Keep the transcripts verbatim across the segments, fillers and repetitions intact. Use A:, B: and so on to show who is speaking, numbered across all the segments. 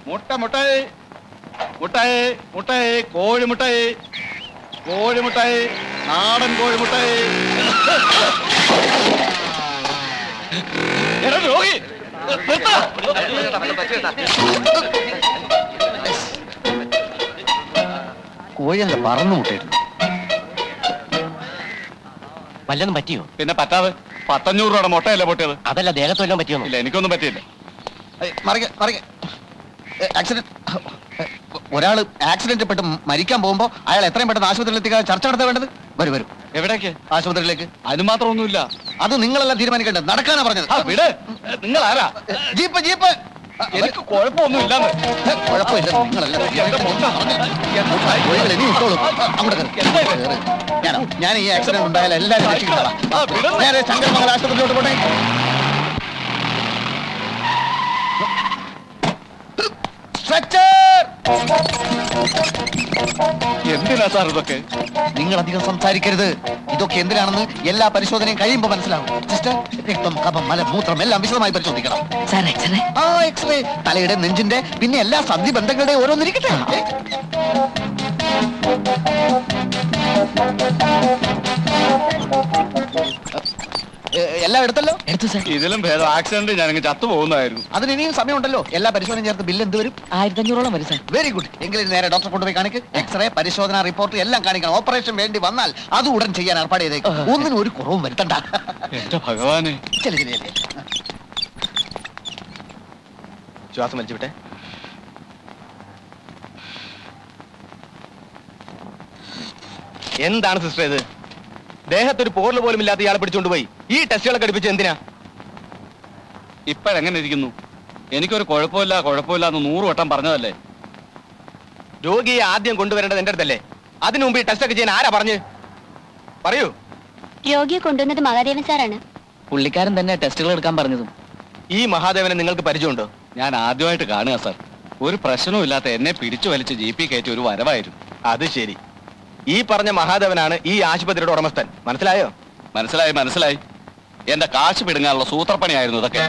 A: മുട്ട മുട്ടായി മുട്ടായി മുട്ടായി കോഴിമുട്ടായി കോഴിമുട്ടായി നാടൻ കോഴിമുട്ടായി. രോഗി
B: കോഴിയല്ല പറന്നു മുട്ടായിരുന്നു.
C: വല്ലതും പറ്റിയോ?
A: പിന്നെ പറ്റാതെ പത്തഞ്ഞൂറ് രൂപയുടെ മുട്ടയല്ലേ പൊട്ടിയത്?
C: അതല്ല ദേഹത്ത് വല്ലതും പറ്റിയോ?
A: ഇല്ല, എനിക്കൊന്നും പറ്റിയില്ല.
B: ആക്സിഡന്റ് ഒരാള് ആക്സിഡന്റ് പെട്ട് മരിക്കാൻ പോകുമ്പോ അയാൾ എത്രയും പെട്ടെന്ന് ആശുപത്രിയിൽ എത്തിക്കാൻ ചർച്ച നടത്താൻ വേണ്ടത്. വരും വരും
A: എവിടേക്ക്?
B: ആശുപത്രിയിലേക്ക്.
A: അതിന് മാത്രമൊന്നുമില്ല.
B: അത് നിങ്ങളെല്ലാം തീരുമാനിക്കേണ്ടത്. നടക്കാനാ പറഞ്ഞത്.
A: വിട്. നിങ്ങൾ ആരാ?
B: Jeep jeep.
A: എനിക്ക് കുഴപ്പമൊന്നും ഇല്ലാന്ന്.
B: കുഴപ്പമില്ല. നിങ്ങളെല്ലാം ഇനി ഇട്ടോളൂ. അങ്ങോട്ട് കയറി. ഞാനോ ഞാൻ ഈ ആക്സിഡന്റ് ഉണ്ടായാലും എല്ലാവരും രക്ഷിക്കുന്നതാ. ഞാൻ ശങ്കരമംഗല ആശുപത്രിയിലോട്ട് പോട്ടെ.
A: എന്തിനാ സാർ ഇതൊക്കെ?
B: നിങ്ങൾ അധികം സംസാരിക്കരുത്. ഇതൊക്കെ എന്തിനാണെന്ന് എല്ലാ പരിശോധനയും കഴിയുമ്പോ മനസ്സിലാവും. സിസ്റ്റർ, രക്തം, കഫം, മലം, മൂത്രം എല്ലാം വിശദമായി പരിശോധിക്കണം. ആ എക്സ്റേ, തലയുടെ, നെഞ്ചിന്റെ, പിന്നെ എല്ലാ സന്ധി ബന്ധങ്ങളുടെ ഓരോന്നിരിക്കട്ടെ. എല്ലാം എടുത്തല്ലോ?
C: എടുത്തു സാർ.
A: ഇതിലും ഭേദം ആക്സിഡന്റ് ഞാനങ്ങ് ചത്തു പോകുന്നതായിരുന്നു.
B: അതിന് ഇനിയും സമയമുണ്ടല്ലോ. എല്ലാ പരിശോധനയും ചേർത്ത് ബില്ല് എന്ത് വരും?
C: ആയിരത്തി അഞ്ഞൂറോളം വരും സാർ.
B: Very good. എങ്കിലും നേരെ ഡോക്ടറെ കൊണ്ടുപോയി കാണിക്ക്. എക്സ്റേ, പരിശോധന റിപ്പോർട്ട് എല്ലാം കാണിക്കണം. ഓപ്പറേഷൻ വേണ്ടി വന്നാൽ അത് ഉടൻ ചെയ്യാൻ ഏർപ്പാട് ചെയ്തേക്കും. ഒന്നിനും ഒരു കുറവും വരുത്തണ്ട.
A: എന്റെ ഭഗവാനെ.
B: ചെല്ലു ചെല്ലേ.
C: ശ്വാസം വലിച്ചു വിട്ടെ. എന്താണ് സിസ്റ്റർ ഇത്? ദേഹത്തൊരു പോറല് പോലും ഇല്ലാത്ത ഇയാളെ പിടിച്ചുകൊണ്ടുപോയി ഈ ടെസ്റ്റുകളൊക്കെ അടുപ്പിച്ച് എന്തിനാ?
A: ഇപ്പോഴെങ്ങനെ ഇരിക്കുന്നു? എനിക്കൊരു കുഴപ്പമില്ല കുഴപ്പമില്ല എന്ന് നൂറ് വട്ടം പറഞ്ഞതല്ലേ?
C: രോഗിയെ ആദ്യം കൊണ്ടുവരേണ്ടത് എന്റെ അടുത്തല്ലേ? അതിനു മുമ്പ് ഈ ടെസ്റ്റ് ഒക്കെ ചെയ്യാൻ ആരാ പറഞ്ഞു? പറയൂ.
D: രോഗിയെ കൊണ്ടുവന്നത് മഹാദേവൻ സാറാണ്.
C: പുള്ളിക്കാരൻ തന്നെ ടെസ്റ്റുകൾ എടുക്കാൻ പറഞ്ഞതും. ഈ മഹാദേവനെ നിങ്ങൾക്ക് പരിചയമുണ്ടോ?
A: ഞാൻ ആദ്യമായിട്ട് കാണുക സാർ. ഒരു പ്രശ്നവും ഇല്ലാത്ത എന്നെ പിടിച്ചു വലിച്ച് ജി പി കയറ്റി ഒരു വരവായിരുന്നു.
C: അത് ശരി. ഈ പറഞ്ഞ മഹാദേവനാണ് ഈ ആശുപത്രിയുടെ ഉടമസ്ഥൻ. മനസ്സിലായോ?
A: മനസ്സിലായി മനസ്സിലായി. എന്റെ കാശ് പിടുങ്ങാനുള്ള സൂത്രപ്പണിയായിരുന്നു ഇതൊക്കെ.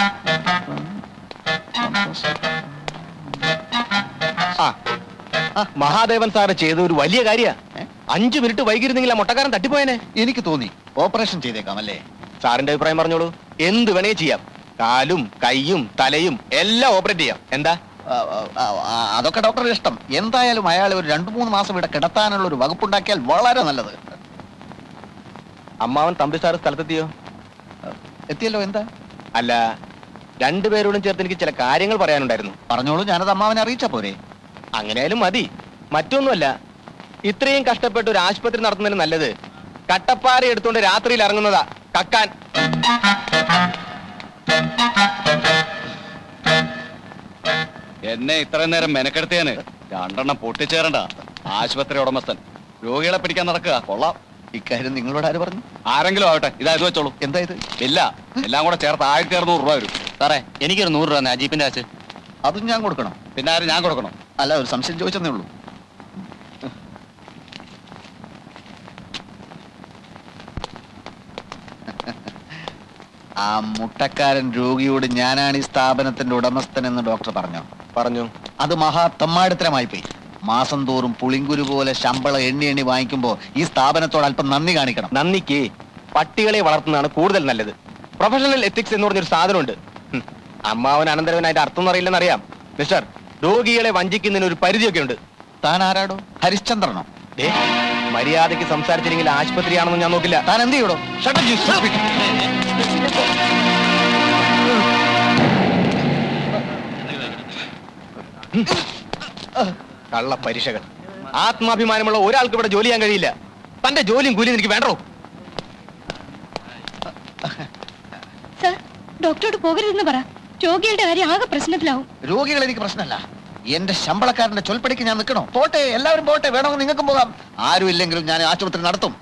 C: ആ മഹാദേവൻ സാറ് ചെയ്ത ഒരു വലിയ കാര്യ. അഞ്ചു മിനിറ്റ് വൈകിരുന്നെങ്കിൽ ആ മുട്ടക്കാരൻ തട്ടിപ്പോയനെ.
B: എനിക്ക് തോന്നി ഓപ്പറേഷൻ ചെയ്തേക്കാം അല്ലേ?
C: സാറിന്റെ അഭിപ്രായം പറഞ്ഞോളൂ. എന്ത് വേണേ ചെയ്യാം. കാലും കൈയും തലയും എല്ലാം ഓപ്പറേറ്റ് ചെയ്യാം. എന്താ?
B: അതൊക്കെ ഡോക്ടറുടെ ഇഷ്ടം. എന്തായാലും അയാളെ ഒരു രണ്ടു മൂന്ന് മാസം ഇവിടെ കിടത്താനുള്ള ഒരു വകുപ്പുണ്ടാക്കിയാൽ വളരെ നല്ലത്.
C: അമ്മാവൻ തമ്പി സാറ് സ്ഥലത്തെത്തിയോ?
B: എത്തിയല്ലോ. എന്താ?
C: അല്ല, രണ്ടുപേരോടും ചേർത്ത് എനിക്ക് ചില കാര്യങ്ങൾ പറയാനുണ്ടായിരുന്നു.
B: പറഞ്ഞോളൂ. ഞാനത് അമ്മാവനെ അറിയിച്ചാ പോരെ?
C: അങ്ങനെയാലും മതി. മറ്റൊന്നുമല്ല, ഇത്രയും കഷ്ടപ്പെട്ട് ഒരു ആശുപത്രി നടത്തുന്നതിന് നല്ലത് കട്ടപ്പാറ എടുത്തുകൊണ്ട് രാത്രിയിൽ ഇറങ്ങുന്നതാ കക്കാൻ.
A: എന്നെ ഇത്രയും നേരം മെനക്കെടുത്തേന് രണ്ടെണ്ണം പൊട്ടിച്ചേരണ്ട. ആശുപത്രി ഉടമസ്ഥൻ രോഗികളെ പിടിക്കാൻ നടക്കുക. കൊള്ളാം.
B: ഇക്കാര്യം നിങ്ങളോട് ആര് പറഞ്ഞു?
A: ആരെങ്കിലും ആവട്ടെ, ഇതാ ഇത് വെച്ചോളൂ.
B: എന്താ ഇത്?
A: ഇല്ല, എല്ലാം കൂടെ ചേർത്ത് ആയിരത്തി അറുന്നൂറ് രൂപ വരും.
C: സാറേ, എനിക്കൊരു നൂറ് രൂപ ജീപ്പിന്റെ കാശ്.
B: അതും ഞാൻ കൊടുക്കണം?
A: പിന്നെ ആരും ഞാൻ കൊടുക്കണം?
B: അല്ല, ഒരു സംശയം ചോദിച്ചെന്നേ ഉള്ളൂ. ആ മുട്ടക്കാരൻ രോഗിയോട് ഞാനാണ് ഈ സ്ഥാപനത്തിന്റെ ഉടമസ്ഥൻ എന്ന് ഡോക്ടർ പറഞ്ഞോ?
C: പറഞ്ഞു.
B: അത് മഹാ തെമ്മാടിത്തരമായി പോയി. മാസം തോറും പുളിങ്കുരു പോലെ ശമ്പളം എണ്ണി എണ്ണി വാങ്ങിക്കുമ്പോ ഈ സ്ഥാപനത്തോട് അല്പം നന്ദി കാണിക്കണം.
C: നന്ദിക്ക് പട്ടികളെ വളർത്തുന്നതാണ് കൂടുതൽ നല്ലത്. പ്രൊഫഷണൽ എത്തിക്സ് എന്ന് പറഞ്ഞൊരു സാധനമുണ്ട്. അമ്മാവൻ അനന്തരവനായിട്ട് അർത്ഥം അറിയില്ലെന്നറിയാം. മിസ്റ്റർ, രോഗികളെ വഞ്ചിക്കുന്നതിന് ഒരു പരിധിയൊക്കെ ഉണ്ട്.
B: താൻ ആരാടോ? ഹരിശ്ചന്ദ്രനോ?
C: ദേ, മര്യാദയ്ക്ക് സംസാരിച്ചില്ലെങ്കിൽ ആശുപത്രിയാണെന്ന് ഞാൻ നോക്കില്ല.
B: താൻ എന്ത് ചെയ്യടോ?
C: കള്ള പരീക്ഷകൾ. ആത്മാഭിമാനമുള്ള ഒരാൾക്ക് ഇവിടെ ജോലി ചെയ്യാൻ കഴിയില്ല. തന്റെ ജോലിയും കൂലിയും എനിക്ക് വേണ്ടോ?
D: സർ, ഡോക്ടറോട് പോകരുതെന്ന് പറ. രോഗികളുടെ കാര്യം ആകെ പ്രശ്നത്തിലാവും.
B: രോഗികൾ എനിക്ക് പ്രശ്നമല്ല. എന്റെ ശമ്പളക്കാരന്റെ ചൊൽപ്പടിക്ക് ഞാൻ നിൽക്കണോ? പോട്ടെ, എല്ലാവരും പോട്ടെ. വേണമെങ്കിൽ നിങ്ങൾക്കും പോകാം. ആരും ഇല്ലെങ്കിലും ഞാൻ ആശുപത്രി നടത്തും.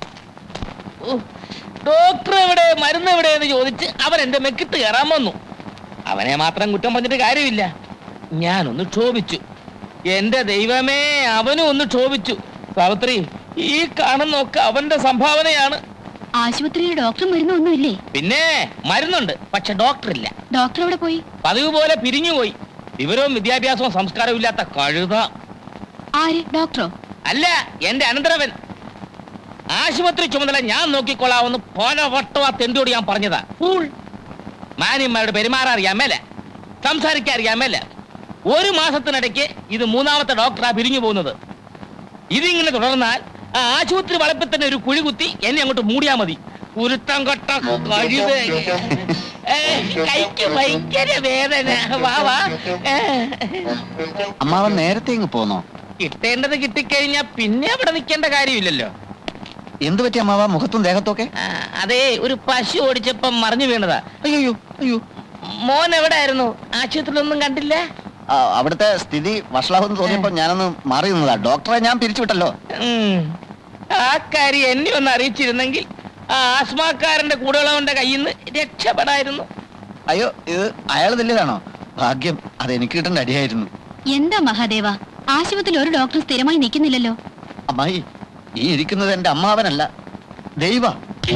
E: ഡോക്ടർ എവിടെ, മരുന്ന് എവിടെ എന്ന് ചോദിച്ച് അവൻ എന്റെ മെക്കിട്ട് കയറാൻ വന്നു. അവനെ മാത്രം കുറ്റം പറഞ്ഞിട്ട് കാര്യമില്ല. ഞാനൊന്ന് ക്ഷോഭിച്ചു. എന്റെ ദൈവമേ, അവനും ഒന്ന് ക്ഷോഭിച്ചു. സാവിത്രി, ഈ കാണുന്നൊക്കെ അവന്റെ സംഭാവനയാണ്.
D: ആശുപത്രിയിൽ ഡോക്ടർ മരുന്നൊന്നുമില്ലേ?
E: പിന്നെ മരുന്നുണ്ട്, പക്ഷെ ഡോക്ടർ ഇല്ല.
D: ഡോക്ടർ എവിടെ പോയി?
E: പതിവ് പോലെ പിരിഞ്ഞുപോയി. വിവരവും വിദ്യാഭ്യാസവും സംസ്കാരവും ഇല്ലാത്ത കഴുത.
D: ആര് ഡോക്ടറോ?
E: അല്ല, എന്റെ അനന്തരവൻ. ആശുപത്രി ചുമതല ഞാൻ നോക്കിക്കൊള്ളാമെന്ന് പല വട്ടം ആ തെണ്ടിയോട് ഞാൻ പറഞ്ഞതാ. ഫൂൾ. മാന്യന്മാരുടെ പെരുമാറാൻ അറിയാമേല, സംസാരിക്കാൻ അറിയാമേല. ഒരു മാസത്തിനിടയ്ക്ക് ഇത് മൂന്നാമത്തെ ഡോക്ടറാ പിരിഞ്ഞു പോകുന്നത്. ഇതിങ്ങനെ തുടർന്നാൽ ആ ആശുപത്രി വളപ്പിൽ തന്നെ ഒരു കുഴി കുത്തി എന്നെ അങ്ങോട്ട് മൂടിയാ മതി. ഉരുത്തം കൊട്ട കഴുത. ഏ, കൈക്ക് ഭയങ്കര വേദന. വാ വാ. ഏ.
B: അമ്മാവൻ നേരത്തെ ഇങ്ങ് പോന്നോ?
E: കിട്ടേണ്ടത് കിട്ടിക്കഴിഞ്ഞാ പിന്നെ അവിടെ നിൽക്കേണ്ട കാര്യമില്ലല്ലോ.
B: എന്ത് പറ്റി അമ്മാവ മുഖത്തും ദേഹത്തൊക്കെ?
E: ആ, അതേ, ഒരു പശു ഓടിച്ചപ്പം മറിഞ്ഞു വീണതാ.
B: അയ്യോ അയ്യോ.
E: മോൻ എവിടെ ആയിരുന്നു? ആശുപത്രിയിലൊന്നും കണ്ടില്ല?
B: ആ, അവിടുത്തെ സ്ഥിതി വഷളാവെന്ന് തോന്നിയപ്പോ ഞാനൊന്ന് മാറി നിന്നതാ. ഡോക്ടറെ ഞാൻ പിരിച്ചുവിട്ടല്ലോ.
E: ഉം. ആ കാര്യം എന്നെ ഒന്ന് അറിയിച്ചിരുന്നെങ്കിൽ ആ ആസ്മാക്കാരന്റെ കൂടെയുള്ളവന്റെ കയ്യിൽ നിന്ന് രക്ഷപ്പെടായിരുന്നു.
B: അയ്യോ, ഇത് അയാൾ തല്ലിയതാണോ? ഭാഗ്യം, അത് എനിക്ക് കിട്ടേണ്ട അടിയായിരുന്നു.
D: എന്താ മഹാദേവ, ആശുപത്രിയിൽ ഒരു ഡോക്ടർ സ്ഥിരമായി നിൽക്കുന്നില്ലല്ലോ.
B: അമ്മായി, ഈ ഇരിക്കുന്നത് എന്റെ അമ്മാവനല്ല, ദൈവ.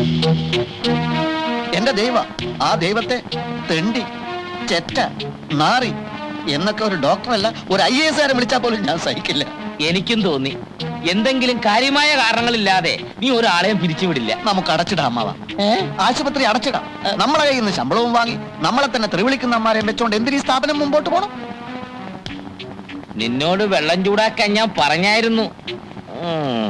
B: എന്റെ ദൈവ. ആ ദൈവത്തെ തെണ്ടി, ചെറ്റ, നാറി എന്നൊക്കെ ഒരു ഡോക്ടറല്ല, ഒരു ഐ എസ് കാരൻ വിളിച്ചാൽ പോലും ഞാൻ സഹിക്കില്ല.
E: എനിക്കും തോന്നി എന്തെങ്കിലും കാര്യമായ കാരണങ്ങളില്ലാതെ നീ ഒരാളെയും പിരിച്ചുവിടില്ല.
B: നമുക്ക് അടച്ചിടാം അമ്മാവ. ആശുപത്രി അടച്ചിടാം. നമ്മളെ കയ്യിൽ നിന്ന് ശമ്പളവും വാങ്ങി നമ്മളെ തന്നെ തെറിവിളിക്കുന്ന അമ്മാരെയും വെച്ചോണ്ട് എന്തിനീ സ്ഥാപനം മുമ്പോട്ട് പോണം?
E: നിന്നോട് വെള്ളം ചൂടാക്കാൻ ഞാൻ പറഞ്ഞായിരുന്നു. ഉം.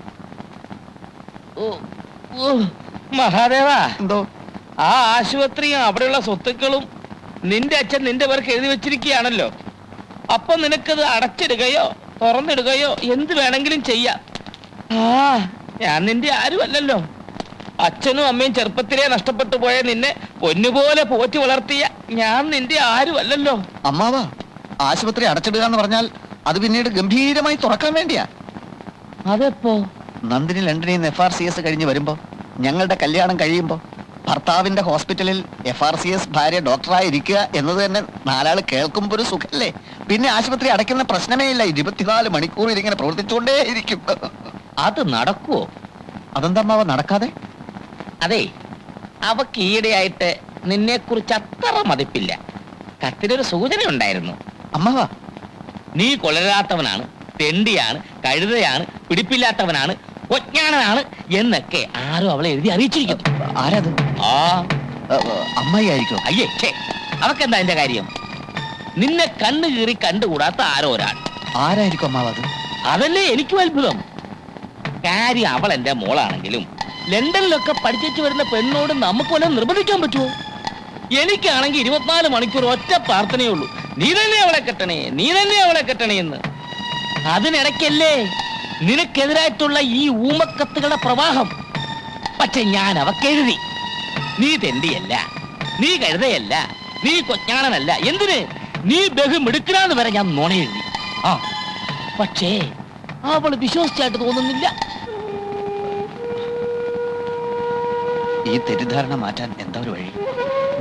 E: ഓ, ഓ, മഹാദേവ,
B: എന്തോ?
E: ആ ആശുപത്രിയും അവിടെയുള്ള സ്വത്തുക്കളും നിന്റെ അച്ഛൻ നിന്റെ പേർക്ക് എഴുതി വെച്ചിരിക്കുകയാണല്ലോ. അപ്പൊ നിനക്കത് അടച്ചിടുകയോ തുറന്നിടുകയോ എന്ത് വേണമെങ്കിലും ചെയ്യാം. ആ, ഞാൻ നിന്റെ ആരുമല്ലല്ലോ. അച്ഛനും അമ്മയും ചെറുപ്പത്തിലേ നഷ്ടപ്പെട്ടു പോയ നിന്നെ പൊന്നുപോലെ പോറ്റി വളർത്തിയ ഞാൻ നിന്റെ ആരുമല്ലല്ലോ.
B: അമ്മാവ, ആശുപത്രി അടച്ചിടുക എന്ന് പറഞ്ഞാൽ അത് പിന്നീട് ഗംഭീരമായി തുറക്കാൻ വേണ്ടിയാ.
E: അതെപ്പോ?
B: നന്ദിനി ലണ്ടനിൽ നിന്ന് എഫ് ആർ സി എസ് കഴിഞ്ഞ് വരുമ്പോ, ഞങ്ങളുടെ കല്യാണം കഴിയുമ്പോ ഭർത്താവിന്റെ ഹോസ്പിറ്റലിൽ എഫ് ആർ സി എസ് ഭാര്യ ഡോക്ടറായി ഇരിക്കുക എന്നത് തന്നെ നാലാള് കേൾക്കുമ്പോ ഒരു സുഖല്ലേ? പിന്നെ ആശുപത്രി അടയ്ക്കുന്ന പ്രശ്നമേ ഇല്ല. ഇരുപത്തിനാല് മണിക്കൂർ ഇതിങ്ങനെ പ്രവർത്തിച്ചുകൊണ്ടേ ഇരിക്കും.
E: അത് നടക്കുവോ?
B: അതെന്താ അമ്മാവ നടക്കാതെ?
E: അതെ, അവക്ക് ഈയിടെയായിട്ട് നിന്നെ കുറിച്ച് അത്ര മതിപ്പില്ല. കത്തിനൊരു സൂചന ഉണ്ടായിരുന്നു.
B: അമ്മാവ,
E: നീ കൊളരാത്തവനാണ്, തെണ്ടിയാണ്, കഴുതയാണ്, പിടിപ്പില്ലാത്തവനാണ്, ഒജ്ഞാനനാണ് എന്നൊക്കെ ആരോ അവളെ എഴുതി അറിയിച്ചിരിക്കുന്നു.
B: ആരാത്?
E: ആ,
B: അമ്മായി ആയിരിക്കും.
E: അയ്യേ, ഛേ, അവക്കെന്താ എന്റെ കാര്യം? നിന്നെ കണ്ണു കീറി കണ്ടുകൂടാത്ത ആരോ ഒരാൾ.
B: ആരായിരിക്കും അമ്മാവ അത്?
E: അതല്ലേ എനിക്കും അത്ഭുതം. കാര്യം അവൾ എന്റെ മോളാണെങ്കിലും ലണ്ടനിലൊക്കെ പഠിച്ചു വരുന്ന പെണ്ണോട് നമുക്ക് വല്ലതും നിർബന്ധിക്കാൻ പറ്റുമോ? എനിക്കാണെങ്കിൽ ഇരുപത്തിനാല് മണിക്കൂർ ഒറ്റ പ്രാർത്ഥനയേ ഉള്ളൂ, നീ തന്നെ അവളെ കെട്ടണേ, നീ തന്നെ അവളെ കെട്ടണേ എന്ന്. അതിനിടയ്ക്കല്ലേ നിനക്കെതിരായിട്ടുള്ള ഈ ഊമക്കത്തുകളുടെ പ്രവാഹം. പക്ഷെ ഞാൻ അവക്കെഴുതി, നീ തെണ്ടിയല്ല, നീ കഴുതയല്ല, നീ കൊഞ്ഞാണനല്ല, എന്തിന് നീ ബഹുമിടുക്കനാന്ന് വരെ ഞാൻ നുണ എഴുതി. ആ, പക്ഷേ അവള് വിശ്വസിച്ചായിട്ട് തോന്നുന്നില്ല.
B: ഈ തെറ്റിദ്ധാരണ മാറ്റാൻ എന്താ ഒരു വഴി?